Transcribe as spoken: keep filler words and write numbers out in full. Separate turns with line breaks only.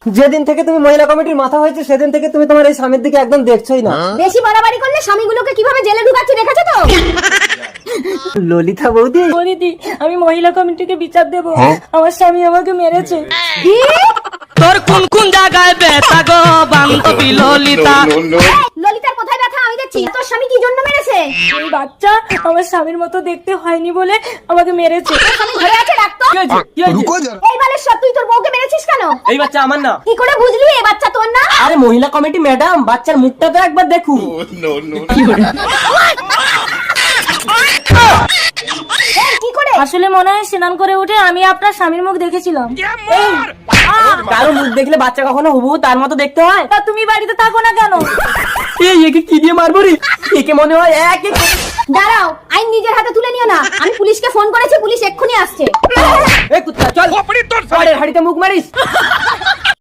যেদিন থেকে তুমি মহিলা কমিটির মাথা হয়েছে সেদিন থেকে তুমি তোমার এই স্বামীর দিকে একদম দেখছোই না।
বেশি বাড়াবাড়ি করলে স্বামীগুলোকে কিভাবে জেলে ঢুকাচ্ছি দেখেছো তো?
ললিতা বৌদি,
ও দিদি, আমি মহিলা কমিটিকে বিচার দেব, আমার স্বামী আমাকে মেরেছে।
কি?
তোর কোন কোন জায়গায় ব্যথা গো বান্ধবী ললিতা?
ললিতার কোথায় ব্যথা আমি দেখছি। তোর স্বামী কি জন্য মেরেছে?
এই বাচ্চা আমার স্বামীর মতো দেখতে হয়নি বলে আমাকে মেরেছে।
স্বামী ঘরে আছে, ডাক্তার।
কি হয়েছে? কি হয়েছে?
এই বালেশ্বর, তুই তোর বউকে মেরেছিস কেন?
এই বাচ্চা আমার না।
কি করে বুঝলি এই বাচ্চা তোর না?
আরে মহিলা কমিটি ম্যাডাম, বাচ্চার মুখটা তো একবার দেখুন।
এই, কি করে?
আসলে মনে হয় স্নান করে উঠে আমি আপনার স্বামীর মুখ দেখেছিলাম।
কারো মুখ দেখলে বাচ্চা কখনো হুবহু তার মতো দেখতে হয়?
তা তুমি বাড়িতে থাকো না কেন?
এই একে কি দিয়ে মারবো রে? একে মনে হয় এক এক
দাঁড়াও, আইন নিজের হাতে তুলে নিও না। আমি পুলিশকে ফোন করেছি, পুলিশ এক্ষুনি আসছে।
এই কুত্তা চল, পরের হাড়িতে মুখ মারিস।